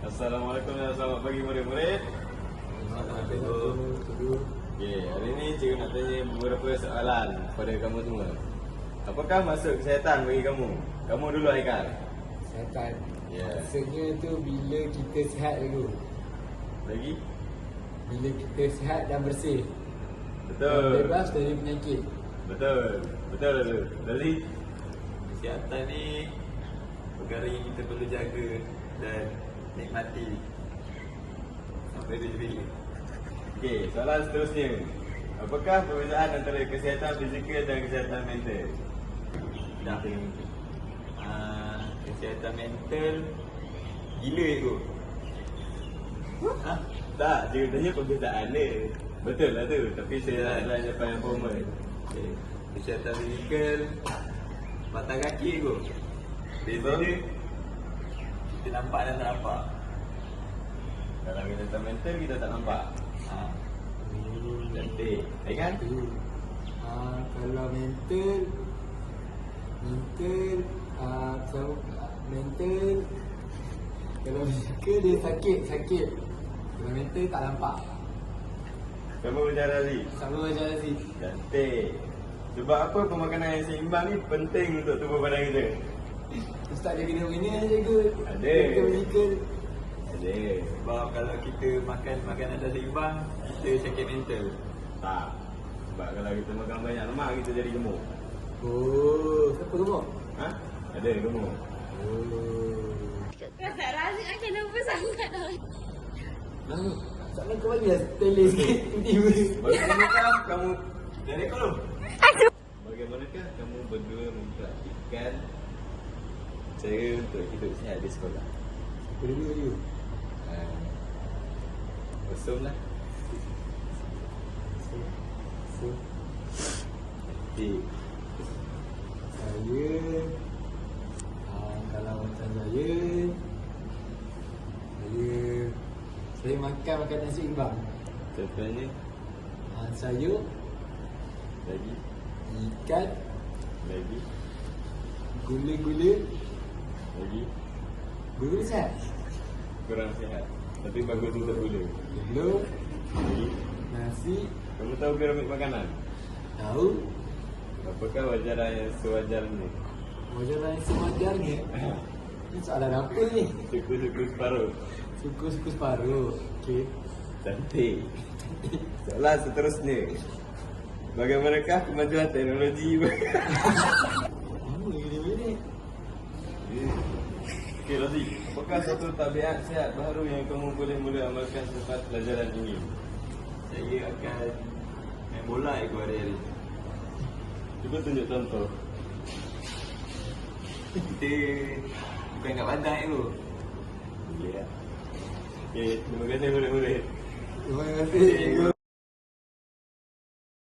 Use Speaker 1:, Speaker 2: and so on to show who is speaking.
Speaker 1: Assalamualaikum dan selamat pagi murid-murid. Okay, hari ni cikgu nak tanya beberapa soalan kepada kamu semua. Apakah maksud kesihatan bagi kamu? Kamu dulu Haikal.
Speaker 2: Kesihatan.
Speaker 1: Ya.
Speaker 2: Maksudnya tu bila kita sihat dulu.
Speaker 1: Lagi?
Speaker 2: Bila kita sihat dan bersih.
Speaker 1: Betul.
Speaker 2: Dan bebas dari penyakit.
Speaker 1: Betul. Betul dulu. Lali?
Speaker 3: Kesihatan ni perkara yang kita perlu jaga dan nikmati sampai bila-bila.
Speaker 1: Okey, soalan seterusnya. Apakah perbezaan antara kesihatan fizikal dan kesihatan mental?
Speaker 3: Dah. Kesihatan mental gila kot. Ha?
Speaker 1: Tak, cikgu tanya perbezaan dia. Betul lah tu, tapi saya nak tanya jawapan yang formal.
Speaker 3: Okay. Kesihatan fizikal batang kaki kot. Beza dia kita nampak dan tak nampak.
Speaker 1: Dalam kesihatan mental kita tak nampak.
Speaker 3: Ha.
Speaker 1: Cantik. Ingat?
Speaker 2: Kalau mental kalau fizikal dia sakit. Kalau mental tak nampak.
Speaker 1: Kamu berjalan lagi.
Speaker 2: Sama macam Aziz.
Speaker 1: Cantik. Sebab apa pemakanan yang seimbang ni penting untuk tubuh badan kita?
Speaker 2: Ustaz dia kena bina jaga.
Speaker 1: Ada.
Speaker 2: Kita fizikal.
Speaker 1: Ada.
Speaker 3: Sebab kalau kita makan makanan tak seimbang, kita sakit mental.
Speaker 1: Tak. Sebab kalau kita makan banyak lemak kita jadi gemuk.
Speaker 2: Oh, siapa gemuk?
Speaker 1: Ha? Ada gemuk.
Speaker 2: Oh.
Speaker 4: Ustaz Razik akan lupa sangat dah.
Speaker 2: Lalu, soalan kau bagi lah tele sikit. Tiba-tiba.
Speaker 1: Bagaimanakah kamu
Speaker 3: Dari kau lu?
Speaker 1: Bagaimanakah kamu berdua mempraktikkan cara untuk hidup sihat di sekolah?
Speaker 2: Apa dulu you?
Speaker 1: Kosong lah.
Speaker 2: So,
Speaker 1: Cantik.
Speaker 2: saya kalau macam saya makan makanan seimbang.
Speaker 1: Contohnya
Speaker 2: Sayur,
Speaker 1: lagi,
Speaker 2: ikan,
Speaker 1: lagi,
Speaker 2: gula-gula,
Speaker 1: lagi
Speaker 2: gula sihat.
Speaker 1: kurang sihat. Tapi bagus untuk gula.
Speaker 2: Telur,
Speaker 1: Lagi.
Speaker 2: nasi,
Speaker 1: Kamu tahu piramid makanan?
Speaker 2: tahu,
Speaker 1: Apakah wajaran yang sewajarnya?
Speaker 2: wajaran yang sewajarnya. Ini soalan apa ni?
Speaker 1: Suku-suku separuh.
Speaker 2: Suku-suku separuh. Okey.
Speaker 1: Cantik. Soalan seterusnya. Bagaimanakah kemajuan teknologi?
Speaker 2: Lama gini-gini.
Speaker 1: Okey, Razi. Apakah satu tabiat sihat baru yang kamu boleh mula amalkan selepas pelajaran ini?
Speaker 3: Saya akan main bola ikut hari-hari.
Speaker 1: Cuba tunjuk contoh.
Speaker 3: Kita bukan kat padang tu.
Speaker 1: Ya. Okey, terima kasih murid-murid.
Speaker 2: Terima kasih.